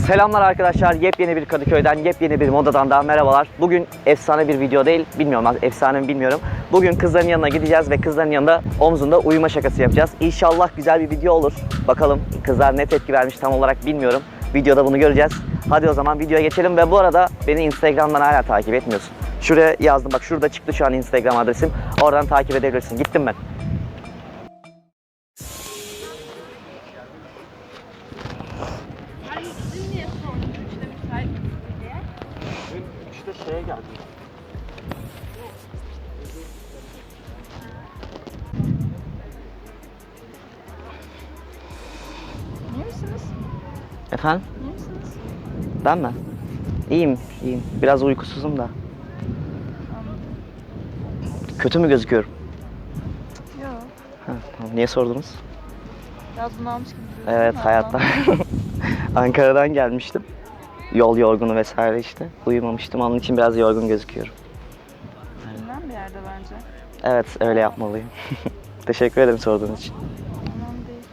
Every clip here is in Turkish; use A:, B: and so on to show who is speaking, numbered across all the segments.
A: Selamlar arkadaşlar, yepyeni bir Kadıköy'den, yepyeni bir modadan daha merhabalar. Bugün efsane bir video değil, bilmiyorum efsane mi bilmiyorum. Bugün kızların yanına gideceğiz ve kızların yanında omzunda uyuma şakası yapacağız. İnşallah güzel bir video olur. Bakalım kızlar ne tepki vermiş tam olarak bilmiyorum. Videoda bunu göreceğiz. Hadi o zaman videoya geçelim ve bu arada beni Instagram'dan hala takip etmiyorsun. Şuraya yazdım, bak şurada çıktı şu an Instagram adresim. Oradan takip edebilirsin. Gittim ben. Şeye geldim.
B: İyi misiniz?
A: Efendim?
B: İyi misiniz?
A: Ben mi? İyiyim, iyiyim. Biraz uykusuzum da.
B: Anladım.
A: Kötü mü gözüküyorum?
B: Yok.
A: Tamam. Niye sordunuz?
B: Biraz bunalmış gibi duruyorsun.
A: Evet, hayattan. Ankara'dan gelmiştim. Yol yorgunu vesaire işte. Uyumamıştım, onun için biraz yorgun gözüküyorum.
B: Bilmem bir yerde bence.
A: Evet, öyle yapmalıyım. Teşekkür ederim sorduğun için.
B: Önemli değil.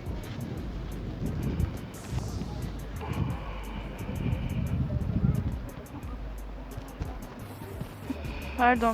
B: Pardon.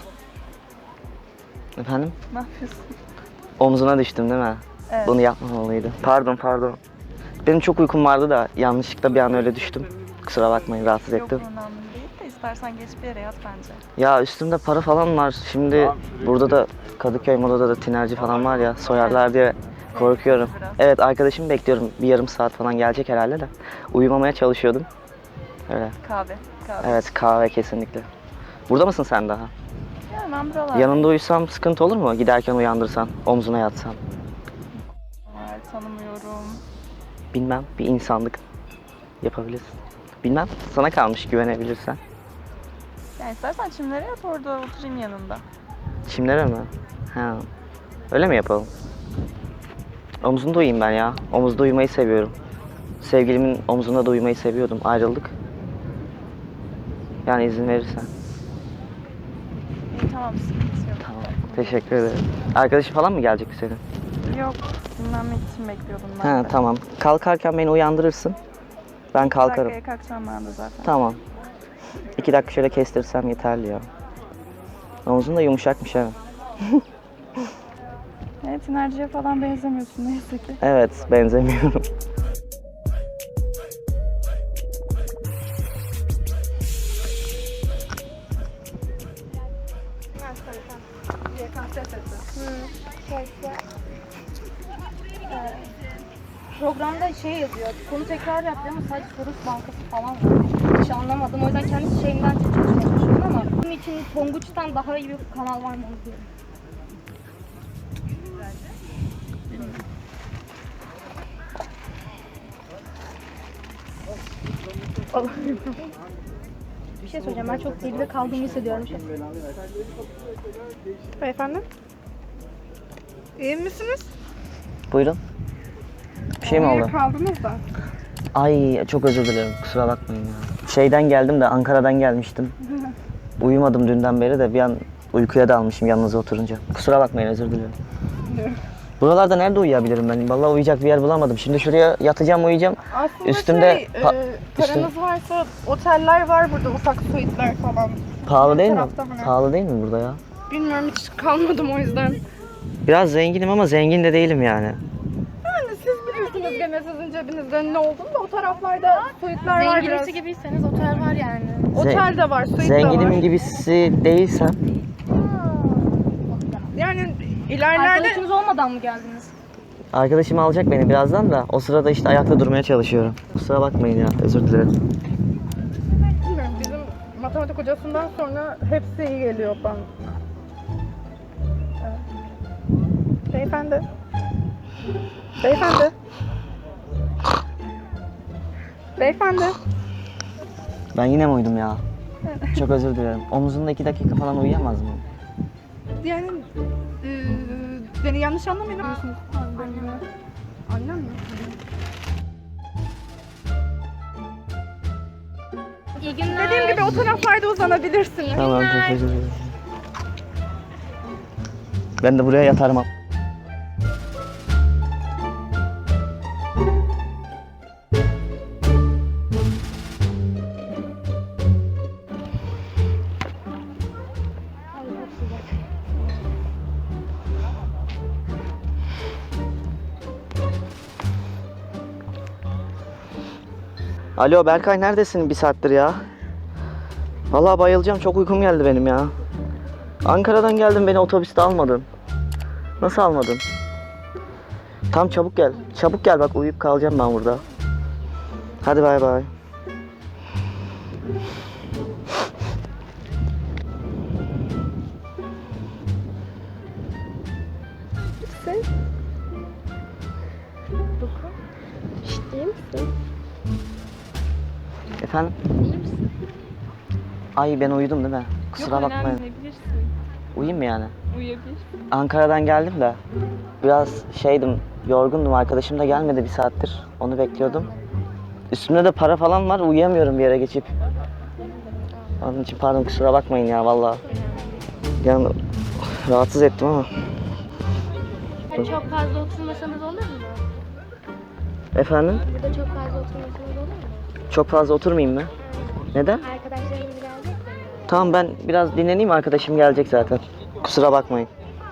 A: Efendim?
B: Ne yapıyorsun?
A: Omzuna düştüm değil mi?
B: Evet.
A: Bunu yapmamalıydım. Pardon. Benim çok uykum vardı da yanlışlıkla bir an öyle düştüm. Kusura bakmayın, rahatsız
B: Yok,
A: ettim.
B: önemli değil de istersen geç bir yere yat bence.
A: Ya üstümde para falan var. Şimdi burada da Kadıköy Moda'da da tinerci falan var ya, soyarlar diye korkuyorum.
B: Biraz.
A: Evet, arkadaşımı bekliyorum. Bir yarım saat falan gelecek herhalde de. Uyumamaya çalışıyordum. Öyle.
B: Kahve.
A: Evet, kahve kesinlikle. Burada mısın sen daha?
B: Ya ben buralardayım.
A: Yanında uyusam sıkıntı olur mu? Giderken uyandırsan, omzuna yatsan.
B: Hayır, tanımıyorum.
A: Bilmem, bir insanlık yapabilirsin. Bilmem, sana kalmış güvenebilirsen.
B: Yani istersen çimlere yat, orada oturayım yanında.
A: Çimlere mi? Ha. Öyle mi yapalım? Omzunda uyuyayım ben ya. Omuzda uyumayı seviyorum. Sevgilimin omzunda da uyumayı seviyordum. Ayrıldık. Yani izin verirsen.
B: İyi, tamam, sıkıntı yok.
A: Tamam. Teşekkür ederim. Arkadaşın falan mı gelecek senin?
B: Yok, dinlenmek için bekliyordum ben
A: Ha,
B: de.
A: tamam. Kalkarken beni uyandırırsın. Ben kalkarım.
B: 2 dakikaya kalkacağım ben de zaten.
A: Tamam. 2 dakika şöyle kestirsem yeterli ya. Omzun da yumuşakmış ha.
B: Evet, tinerciye falan benzemiyorsun neyse ki.
A: Evet, benzemiyorum.
C: Programda şey yazıyor, konu tekrar yap diyor ama sadece soru bankası falan var. Hiç anlamadım. O yüzden kendi şeyimden çalışmaya çalışıyorum ama bunun için Tonguç'tan daha iyi bir kanal var mı diyorum. Bir şey söyleyeceğim, ben çok geride kaldığımı hissediyorum.
B: Beyefendi? İyi misiniz?
A: Buyurun. Bir şey mi oldu?
B: Kaldınız da.
A: Ay, çok özür dilerim. Kusura bakmayın ya. Şeyden geldim de, Ankara'dan gelmiştim. Uyumadım dünden beri de bir an uykuya dalmışım yanınıza oturunca. Kusura bakmayın, özür dilerim. Buralarda nerede uyuyabilirim ben? Vallahi uyuyacak bir yer bulamadım. Şimdi şuraya yatacağım, uyuyacağım.
B: Aslında
A: Üstümde
B: paranız varsa oteller var burada, ufak suite'ler falan.
A: pahalı değil mi?
B: tarafta mı ne?
A: Pahalı değil mi burada ya?
B: Bilmiyorum, hiç kalmadım o yüzden.
A: Biraz zenginim ama zengin de değilim yani.
B: Yani siz biliyorsunuz gene, sizin cebinizde ne olduğunu da o taraflarda suite'ler var biraz.
C: Zenginisi gibiyseniz otel var yani.
B: Otel de var, suite de
A: Zenginimin
B: var.
A: gibisi değilsem
B: Yani ilerlerde...
C: Arkadaşınız olmadan mı geldiniz?
A: arkadaşım alacak beni birazdan da o sırada işte ayakta durmaya çalışıyorum. Kusura bakmayın ya, özür dilerim.
B: Bilmiyorum, bizim matematik hocasından sonra hepsi iyi geliyor bana. Evet. Beyefendi. Beyefendi. Beyefendi.
A: Ben yine mi uyudum ya? Çok özür dilerim. Omuzunda 2 dakika falan uyuyamaz mı?
B: Yani beni yanlış anlamayın. Annem mi?
C: İyi günler.
B: Dediğim gibi o taraflarda uzanabilirsiniz.
A: Tamam, çok özür dilerim. Ben de buraya yatarım. Alo Berkay, neredesin bir saattir ya? Vallahi bayılacağım, çok uykum geldi benim ya. Ankara'dan geldim, beni otobüste almadın. Nasıl almadın? Tam çabuk gel. Çabuk gel, bak uyuyup kalacağım ben burada. Hadi bay bay.
B: Sen? Şşt, iyi misin?
A: Efendim?
B: İyi misin?
A: Ay ben uyudum değil mi? Kusura bakmayın.
B: Uyuyabilirsin.
A: Uyuyayım mı yani?
B: Uyuyabilirsin.
A: Ankara'dan geldim de biraz şeydim, yorgundum. Arkadaşım da gelmedi bir saattir. Onu bekliyordum. Üstümde de para falan var. Uyuyamıyorum bir yere geçip. Onun için pardon, kusura bakmayın ya vallahi. Yani rahatsız ettim ama.
C: Çok fazla oturmasanız olur mu?
A: Efendim?
C: Burada çok fazla oturmasanız olur mu?
A: Çok fazla oturmayayım mı? Neden?
C: Arkadaşlarımız gelecek mi?
A: Tamam, ben biraz dinleneyim, arkadaşım gelecek zaten. Kusura bakmayın.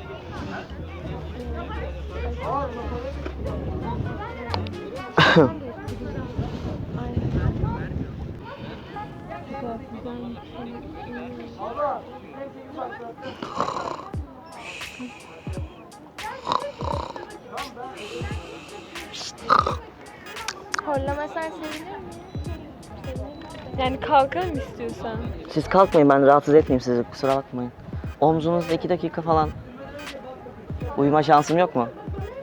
C: Horlamasan sevinir mi?
B: Yani kalkalım istiyorsan.
A: Siz kalkmayın, ben rahatsız etmeyeyim sizi, kusura bakmayın. Omzunuzda 2 dakika falan uyuma şansım yok mu?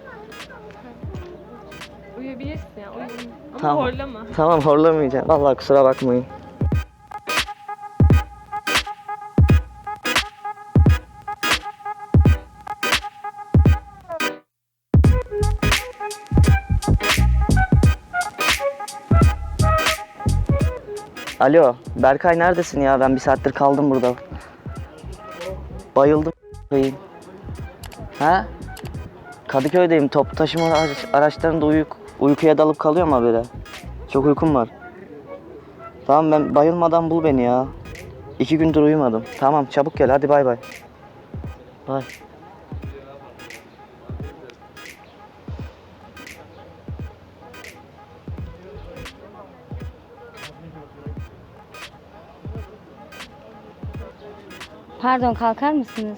B: Uyuyabilirsin ya. Ama
A: Tamam.
B: horlama.
A: Tamam, horlamayacağım. Vallahi kusura bakmayın. Alo, Berkay neredesin ya? Ben bir saattir kaldım burada. Bayıldım. Ha? Kadıköy'deyim. Toplu taşıma araçlarında uykuya dalıp kalıyorum habire. Çok uykum var. Tamam, ben bayılmadan bul beni ya. 2 gündür uyumadım. Tamam, çabuk gel, hadi bay bay. Bay.
C: Pardon, kalkar mısınız?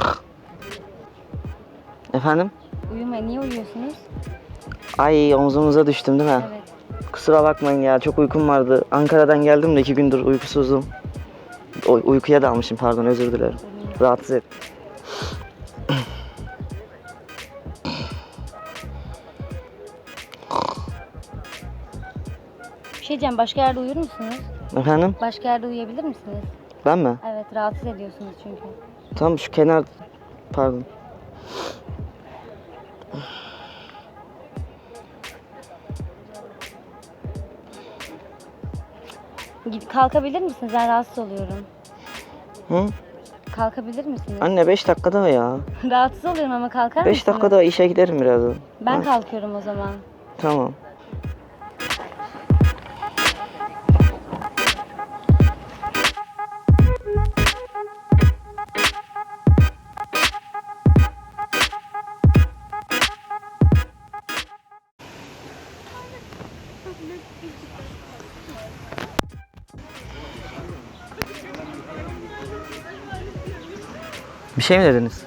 A: Efendim?
C: Uyumayın. Niye uyuyorsunuz?
A: Ay, omzumuza düştüm değil mi?
C: Evet.
A: Kusura bakmayın ya, çok uykum vardı. Ankara'dan geldim de 2 gündür uykusuzdum. Uykuya dalmışım, pardon, özür dilerim. Rahatsız et.
C: Bir şey diyeceğim. Başka yerde uyur musunuz?
A: Efendim?
C: Başka yerde uyuyabilir misiniz?
A: Ben mi?
C: Evet. Rahatsız ediyorsunuz çünkü.
A: Tam şu kenar... Pardon.
C: Kalkabilir misiniz? Ben rahatsız oluyorum.
A: Hı?
C: Kalkabilir misiniz?
A: Anne 5 dakikada ya.
C: Rahatsız oluyorum ama kalkar
A: 5
C: mısınız?
A: dakikada işe giderim birazdan.
C: Ben
A: Ha,
C: kalkıyorum o zaman.
A: Tamam. Bir şey mi dediniz?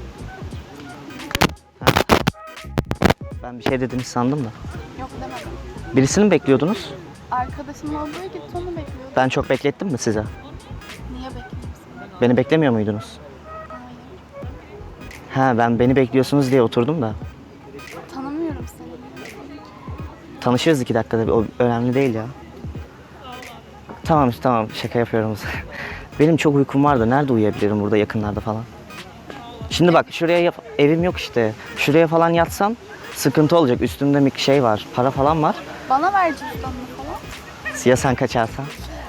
A: Ha. Ben bir şey dediniz sandım da.
B: Yok demedim.
A: Birisini mi bekliyordunuz?
B: Arkadaşımın olduğu gitti onu bekliyordum.
A: Ben çok beklettim mi size?
B: Niye bekliyorsun?
A: Beni beklemiyor muydunuz?
B: Hayır.
A: Ha, beni bekliyorsunuz diye oturdum da.
B: Tanımıyorum seni.
A: Tanışırız 2 dakikada, o önemli değil ya. Tamam tamam, şaka yapıyorum. Benim çok uykum var da nerede uyuyabilirim burada yakınlarda falan. Şimdi bak, şuraya evim yok işte. Şuraya falan yatsam sıkıntı olacak. Üstümde bir şey var, para falan var.
B: Bana ver cüzdanını falan.
A: Ya sen kaçarsan?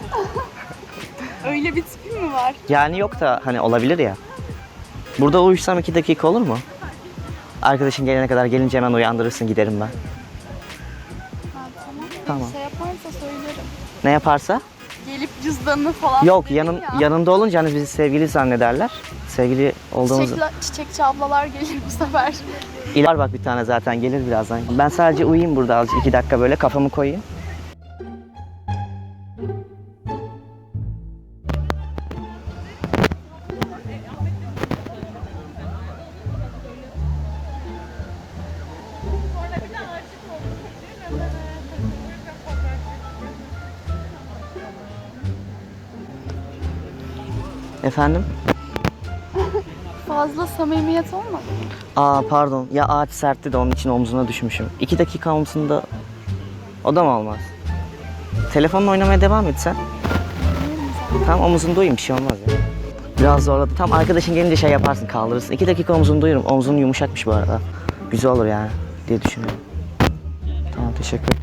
B: Öyle bir tipin mi var?
A: Yani yok da hani olabilir ya. Burada uyusam 2 dakika olur mu? Arkadaşın gelene kadar, gelince hemen uyandırırsın, giderim ben.
B: Ha, tamam.
A: Tamam.
B: Şey yaparsa söylerim.
A: Ne yaparsa?
B: Gelip cüzdanını falan
A: Yok,
B: verin ya.
A: yanında olunca hani bizi sevgili zannederler. Sevgili olduğumuzu.
B: Çiçekçi ablalar gelir bu sefer.
A: İler bak, bir tane zaten gelir birazdan. Ben sadece uyuyayım burada azıcık, 2 dakika böyle kafamı koyayım. Efendim?
B: Fazla samimiyet olmadı mı?
A: Aa pardon. Ya ağaç sertti de onun için omzuna düşmüşüm. 2 dakika omzunda... O da mı olmaz? Telefonla oynamaya devam et sen. Tamam omzunda uyuyayım bir şey olmaz ya. Biraz zorladı. Tam arkadaşın gelince şey yaparsın kaldırırsın. 2 dakika omzunda uyurum. Omzun yumuşakmış bu arada. Güzel olur yani diye düşünüyorum. Tamam teşekkür ederim.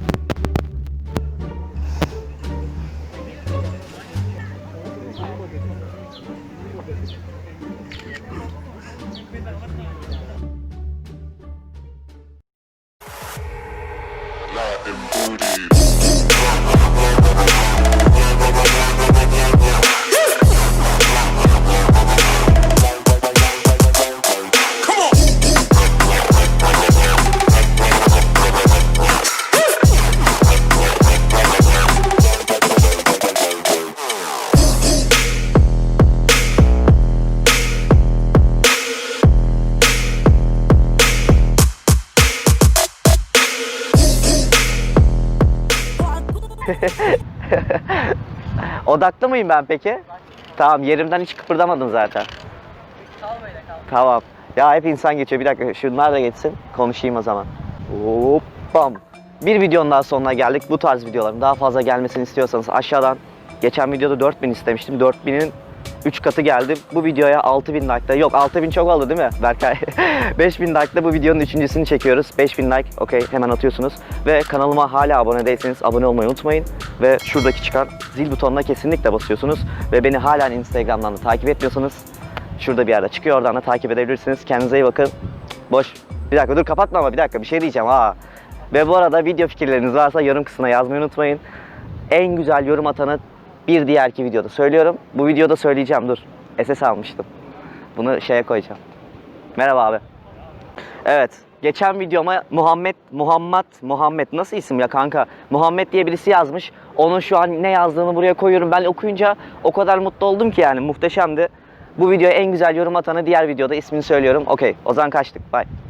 A: Odaklı mıyım ben peki? Tamam yerimden hiç kıpırdamadım zaten. Tamam. Ya hep insan geçiyor. Bir dakika şunlar da geçsin. Konuşayım o zaman. Hoppam. Bir videonun daha sonuna geldik. Bu tarz videoların daha fazla gelmesini istiyorsanız aşağıdan geçen videoda 4000 istemiştim. 4000'in 3 katı geldi. Bu videoya 6000 like'da. Yok 6000 çok oldu değil mi Berkay? 5000 like'da bu videonun üçüncüsünü çekiyoruz. 5000 like okey hemen atıyorsunuz. Ve kanalıma hala abone değilseniz abone olmayı unutmayın. Ve şuradaki çıkan zil butonuna kesinlikle basıyorsunuz. Ve beni hala Instagram'dan da takip etmiyorsanız şurada bir yerde çıkıyor, oradan da takip edebilirsiniz. Kendinize iyi bakın. Boş. Bir dakika dur kapatma ama bir dakika bir şey diyeceğim ha. Ve bu arada video fikirleriniz varsa yorum kısmına yazmayı unutmayın. En güzel yorum atanı bir diğerki videoda söylüyorum. Bu videoda söyleyeceğim dur. SS almıştım. Bunu şeye koyacağım. Merhaba abi. Evet. Geçen videoma Muhammed nasıl isim ya kanka? Muhammed diye birisi yazmış. Onun şu an ne yazdığını buraya koyuyorum. Ben okuyunca o kadar mutlu oldum ki yani muhteşemdi. Bu videoya en güzel yorum atanı diğer videoda ismini söylüyorum. Okey. O zaman kaçtık. Bye.